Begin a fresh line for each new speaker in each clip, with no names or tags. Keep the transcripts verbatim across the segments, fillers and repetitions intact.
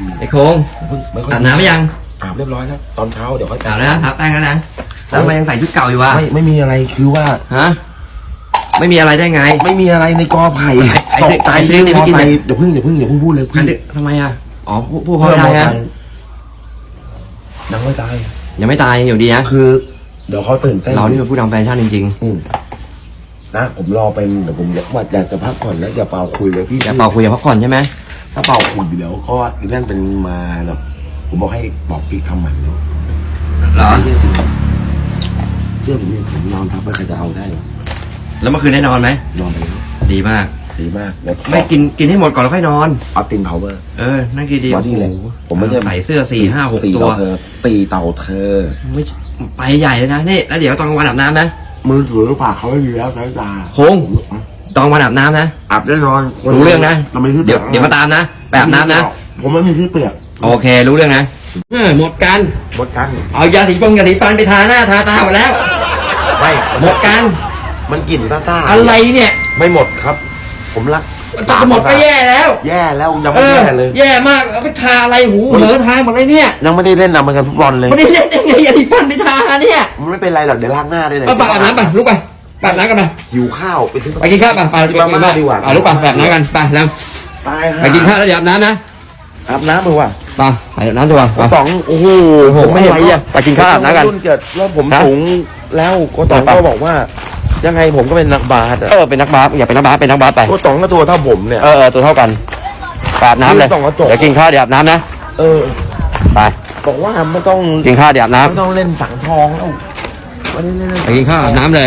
ไอ้โค้งอาบน้ำไหมยัง
อาบเรียบร้อยแล้วตอนเช้าเดี๋ยวค่อย
อาบแล้วครับแป้งแล้วนะแล้วทำไมยังใส่ชุดเก่าอยู่วะ
ไม่ไม่มีอะไรคือว่า
ฮะไม่มีอะไรได้ไง
ไม่มีอะไรในกอไผ่ตกใจเรื่องกอไผ่เดี๋ยวพึ่งเดี๋ยวพึ่งเดี๋ยวพึ่งพูดเลยพี่
ทำไมอ่ะอ๋อพูดพูดเขาได้นะ
ยังไม่ตาย
ยังไม่ตายอยู่ดีนะ
คือเดี๋ยวเขาตื่นเต้น
เรานี่เป็นผู้ทำแฟชั่นจริง
ๆอืมนะผมรอเป็นเดี๋ยวผมว่าอยากจะพักผ่อนแล้วอย่าเป่าคุยเลยพี่
อย่าเป่าคุยอย่าพักผ่อนใช่ไหม
ถ้าเป่าคุยเดี๋ยวก็นั่นเป็นมาแบบผมบอกให้บอกกิ๊กทำหมันแล้ว
เหรอ
เชื่อผมนี่ผมนอนทับไม่ใครจะเอาได้หรอ
แล้วเมื่อคืนได้นอนไหม
นอนไป
ดีมาก
ดีมาก
ไม่กินกินให้หมดก่อนแล้วค่อยนอน
เอาตินพาวเวอร์
เออนั่นคือดี
วันนี้เลย
ผมไม่ได้ใส่เสื้อสี่ห้าหกตัว
สี่เต่าเธอ
ไม่ไปใหญ่เลยนะนี่แล้วเดี๋ยวตอนกลางวันอาบน้ำนะ
มือถือฝากเขาไม่มีแล้วสายตา
โค้งตอนกลางวันอาบน้ำนะ
อาบแน่นอน
รู้เรื่องนะเดี๋ยวเดี๋ยวมาตามนะไปอาบน้ำนะ
ผมไม่มีที่เปียก
โอเครู้เรื่องนะเออหมดกัน
หมดกัน
เอายาสีฟงยาสีฟันไปทาหน้าทาตาหมดแล้ว
ไม่
หมดกัน
มันกลิ่นซ่า
ๆอะไรเนี่ย
ไม่หมดครับผมรัก
จะหมดก็แย่แล้ว
แย่แล้วยังไม่แย่เลย
แย่มากเอาไปทาอะไรหูเหอทาหมดเลยเนี่ย
ยังไม่ได้เล่นอเมริกันฟุตบอลเลย
ไม่ได้เล่นยังไงยาสีฟันไปทาเนี่ย
มันไม่เป็นไรหรอกเดี๋ยวล้างหน้าได้เลย
ไปอาบน้ำไปลุกไปไปอาบน้ำกันไป
หิวข้าวไปซื้อ
ไปกินข้าวไปไป
กินมาม่าดีกว่า
เอาลุกไปอาบน้ำกันไปแล้วไปกินข้าวแล้วเดี๋ยวอาบน้ำนะ
อาบน้ำมือว่ะ
ไปอาบน้ำดีกว่า
สองโอ้โห
ผมไม่เห็นไปกินข้าวอาบน้ำกัน
รุ่นเกิดว่าผมสูงแล้วโกตองก็บอกว่ายังไงผมก็เป็นนักบาส
เออเป็นนักบาสอย่าเป็นนักบาสเป็นนักบาสไป
โกตองก็ตัวเท่าผมเนี่ย
เออตัวเท่ากันอาบน้ำเลยเดี๋ยวกินข้าวเดี๋ยวอาบน้ำนะ
เออ
ไป
บอกว่าไม่ต้อง
กินข้าวเดี๋ยวอาบน้ำ
ไม่ต้องเล่นสังทองแล้ววันนี้
ไปกินข้าวอาบน้ำเลย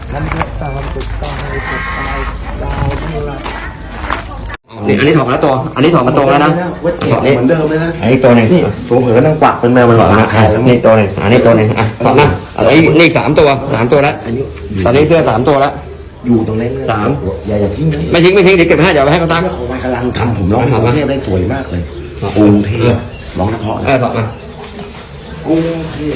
นี่อันนี้ถอดมาแล้วตัวอันนี้ถอดมาตรงแล้วนะ
ถอดนี่เหมือนเดิมเลยนะ
อันนี้ตัวหนึ่ง
นี่ตัวเผลอนั่งกวักเป็นแมวมันหลอกนะ
นี่ตัวหนึ่งอันนี้ตัวหนึ่งอ่ะถอดมาอันนี้นี่สามตัวสามตัวแล้วตอนนี้เสื้อสามตัวแล้ว
อยู่ตรงนี้
สาม
อย่าอย่าทิ้ง
ไม่ทิ้งไม่ทิ้งเดี๋ยวเก็บให้เดี๋ยวไปให้เขาตั้ง
เขาไปกำลังทำผมร้องกรุงเทพได้สวยมากเลยกรุงเทพร้องเฉพาะ
เออถอดมาก
รุงเทพ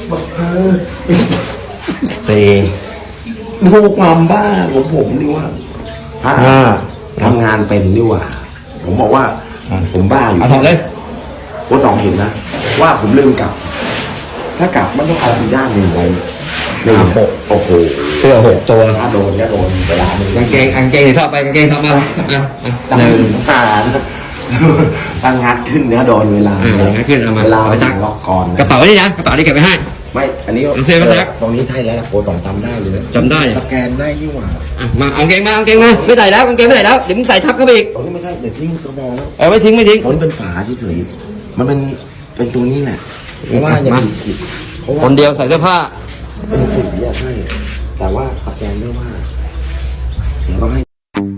สี่
ดูความบ้าของผมดีว่า
ห้า
ทำงานเป็นดีว่าผมบอกว่าผมบ้าอยู่
ถอดเลย
โค้ชตองเห็นนะว่าผมลืมกลับถ้ากลับมันต้องเอาย่างหนึ่งไว้หนึ่งหกโอ้โห
เสื้อหกตัว
ถ้าโดนก็โดนเวลาหนึ่ง
กางเกงกางเกงถอดไปกางเกงถอดมาอ่ะอ่ะ
หนึ่งผ่านตั้งงัดขึ้นเนื้อโดนเวลา
งัดขึ้นเอามา
เวลาไปจักล็อกก่อน
กระเป๋านี่นะกระเป๋านี่เก็บไว้ให้
ไม่อันนี้
เสื้อก็แท็ก
ตรงนี้ใช่แล้วโค้ชตองจำได้เลย
จำได้
สแกนได้ยี่หว่า
มาเอาเกงมาเอาเกงมาไม่ใส่แล้วกางเกงไม่ใส่แล้วเดี๋ยวมึงใส่ทับเข้าไปอีก
ตรงนี้ไม่ใช่อย่าทิ้งกระบอกแล้ว
เออไม่ทิ้งไม่ทิ้ง
ตรงนี้เป็นฝาเฉยๆมันเป็นเป็นตัวนี้แหละเพราะว่าอย่างผิด
คนเดียวใส่เสื้อผ้า
เป็นสีอะใช่แต่ว่าสแกนได้ว่าเดี๋ยวต้องให้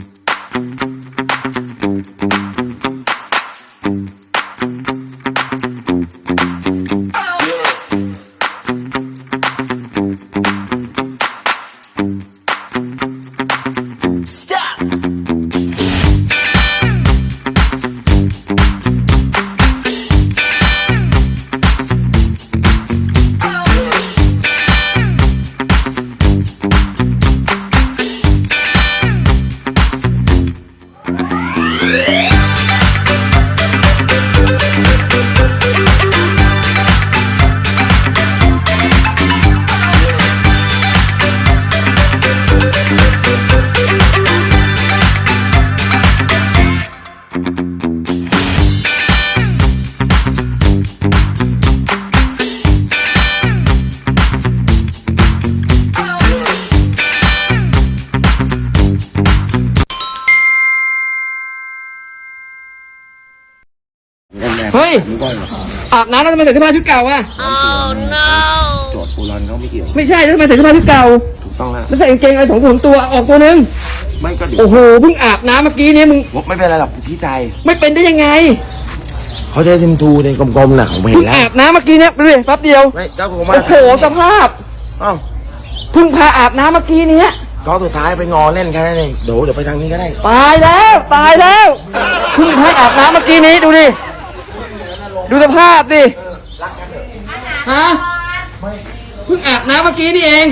เฮ้ยอาบน้ำแล้วทำไมใส่เสื้อผ้าชุดเก่าอ่ะ
oh no โจทย์โบราณเขาไม่เกี่ยว
ไม่ใช่แล้วทำไมใส่เสื้อผ้าชุดเก่า
ถูกต้องแล้ว
แล้วใส่กางเกงอะไรสองตัวตัวออกตัวนึง
ไม่ก็
โอ้โหเพิ่งอาบน้ำเมื่อกี้นี้มึง
ไม่เป็นไรหรอกพี่ใจ
ไม่เป็นได้ยังไง
เขาใช้ทิมทูในกลมๆน่ะผมเห็นแล้ว
อาบน้ำเมื่อกี้เนี่ยดูดิแป๊บเดียว
ไม่เจ้าของมา
โอ้โหสภาพ
อ้าว
เพิ่งพาอาบน้ำเมื่อกี้นี้
ก็สุดท้ายไปงอเล่นแค่นั้นเองเดี๋ยวเดี๋ยวไปทางนี้ก็ได้
ตายแล้วตายแล้วเพิ่งพาอาบน้ำเมื่อกี้นี้ดูดิดูสภาพดิฮะเพิ่งอาบน้ำเมื่อกี้นี่เอง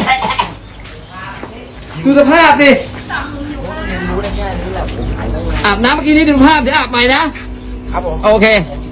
ดูสภาพดิอาบน้ำเมื่อกี้นี้ดูภาพเดี๋ยวอาบใหม่นะครับ
ผม
โอเค